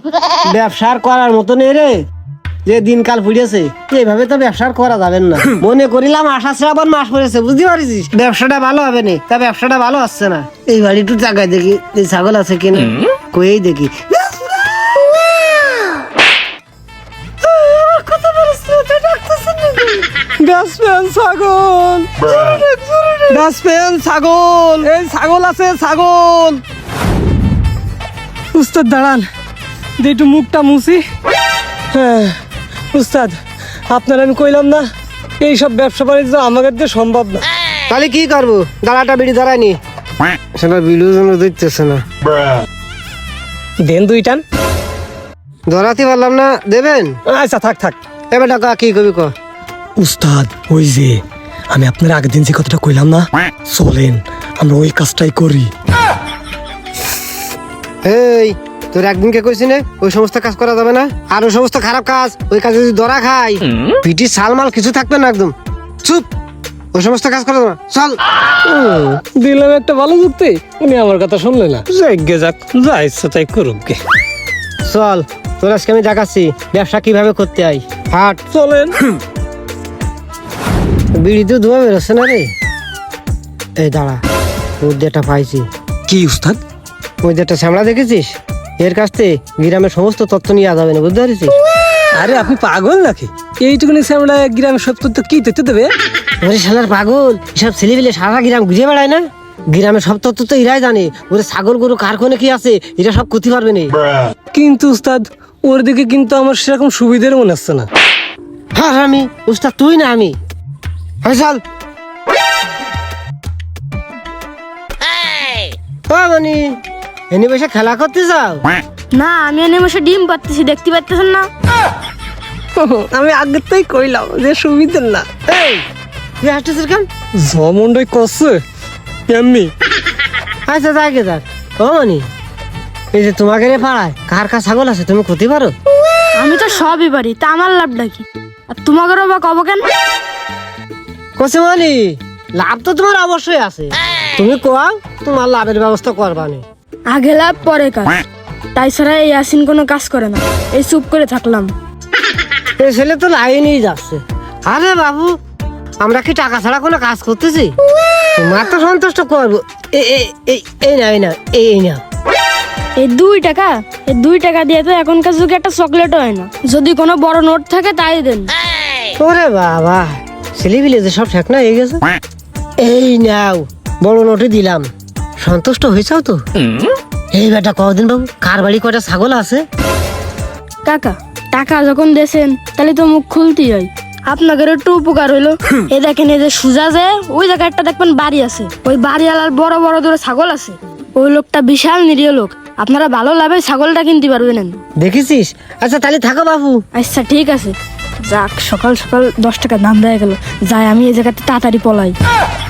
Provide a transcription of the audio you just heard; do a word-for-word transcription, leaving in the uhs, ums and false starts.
ব্যবসার করার মতো নেই রে, যে দিনকাল ফুরিয়েছে এইভাবে তো ব্যবসার করা যাবে না। মনে করিলাম আশা শ্রাবণ মাস পড়েছে, বুঝতে পারিস ব্যবসাটা ভালো হবে না, তা ব্যবসাটা ভালো আসছে না। এই বাড়ি একটু জায়গায় দেখি এই ছাগল আছে কিনা, কয়েই দেখি। ছাগল ছাগল এই ছাগল আছে, ছাগল। উস্তাদ দাঁড়ান, যে একটু মুখটা মুছি। হ্যাঁ উস্তাদ, আপনার আমি কইলাম না এইসব ব্যবসা বাণিজ্য আমাদের দিয়ে সম্ভব না। তাহলে কি করবো? দাঁড়াটা বিড়ি দাঁড়ায়নি, সেটা বিড়িও যেন দিতেছে না। দেন দুই টান। ধরাতে পারলাম না, দেবেন? আচ্ছা থাক থাক। এবার টাকা কি কবি ক। উস্তাদ ওই যে আমি আপনার আগের দিন যে কথাটা কইলাম না, চলেন আমরা ওই কাজটাই করি। এই তোর একদিনকে কইছি না ওই সমস্ত কাজ করা যাবে না, আর ওই সমস্ত খারাপ কাজ, ওই কাজে যদি ধরা খাই পিটি সালমাল কিছু থাকবে না, একদম চুপ। ওই সমস্ত কাজ করা যাবে না, চল। দিলাম একটা ভালো যুক্তি, উনি আমার কথা শুনলে না। যাইগে যাক, যা ইচ্ছা তাই করুক গে। চল তোর আজকে আমি দেখাচ্ছি ব্যবসা কিভাবে করতে হয়। হাট চলেন। বিড়ি তো ধোয়া বেরোচ্ছে না রে। এই দাঁড়া, ওর যেটা পাইছি। কি উস্তাদ? ওই যেটা শ্যামলা দেখেছিস, এর কাছ থেকে গ্রামের সমস্ত তথ্য নিয়ে যাবে না, বুঝতে পারছিস? আরে আপনি পাগল নাকি? এইটুকুনি আমরা গ্রামের সব তথ্য কি তথ্য দেবে? ওরে শালার পাগল, এসব ছেলেপিলে সারা গ্রাম ঘুরে বেড়ায় না, গ্রামের সব তথ্য তো এরাই জানে। ওরে ছাগল গরু কার কোনে কি আছে এটা সব করতে পারবে না। কিন্তু উস্তাদ ওর দিকে কিন্তু আমার সেরকম সুবিধার মনে হচ্ছে না। হ্যাঁ আমি উস্তাদ, তুই না আমি। হ্যাঁ চল। ও মানে এনে বসে খেলা করতে যাও? না, আমি এনে বসে ডিম পাচ্ছি, দেখতে পাচ্ছেন না? আমি আগের তাই কইলাম যে সুবিধার না। এই তুই হাসতেছিস কেন? জমন্ডই করছে এমনি। আচ্ছা যাকে যাক। ও মানে এই যে তোমাকে রে পাড়ায় কার কার ছাগল আছে তুমি ক্ষতি পারো? আমি তো সবই পারি, তা আমার লাভটা কি? আর তোমাকেও বা কব কেন? কসে মানে লাভ তো তোমার অবশ্যই আছে, তুমি কোয়াও তোমার লাভের ব্যবস্থা করবা নে। আগে লাভ পরে কাজ, তাই ছাড়া এই আসিন কোনো কাজ করে না, এই চুপ করে থাকলাম। এই ছেলে তো লাইনেই যাচ্ছে। আরে বাবু, আমরা কি টাকা ছাড়া কোনো কাজ করতেছি? তোমার তো সন্তুষ্ট করবো। এই এই এই এই না এই না এই না এই দুই টাকা, এই দুই টাকা দিয়ে তো এখনকার যুগে একটা চকলেটও হয় না। যদি কোনো বড় নোট থাকে তাই দেন। ওরে বাবা, ছেলেপিলে যে সব ঠেক না হয়ে গেছে। এই নাও বড় নোটে দিলাম, সন্তুষ্ট হয়েছাও তো? এই বেটা কদিন বাবু, কার বাড়ি কয়টা ছাগল আছে? কাকা, টাকা যখন দেছেন তাহলে তো মুখ খুলতেই হয়। আপনাদের একটু উপকার হইলো। এই দেখেন, এই যে সুজা যে ওই জায়গায় একটা দেখবেন বাড়ি আছে, ওই বাড়িওয়ালার বড় বড় ধরে ছাগল আছে। ওই লোকটা বিশাল নিরীহ লোক, আপনারা ভালো লাভে ছাগলটা কিনতে পারবেন। দেখেছিস? আচ্ছা তাহলে থাকো বাবু। আচ্ছা ঠিক আছে, যাক সকাল সকাল দশ টাকা দাম দেয়া গেল, যাই আমি এই জায়গাতে তাড়াতাড়ি পলাই।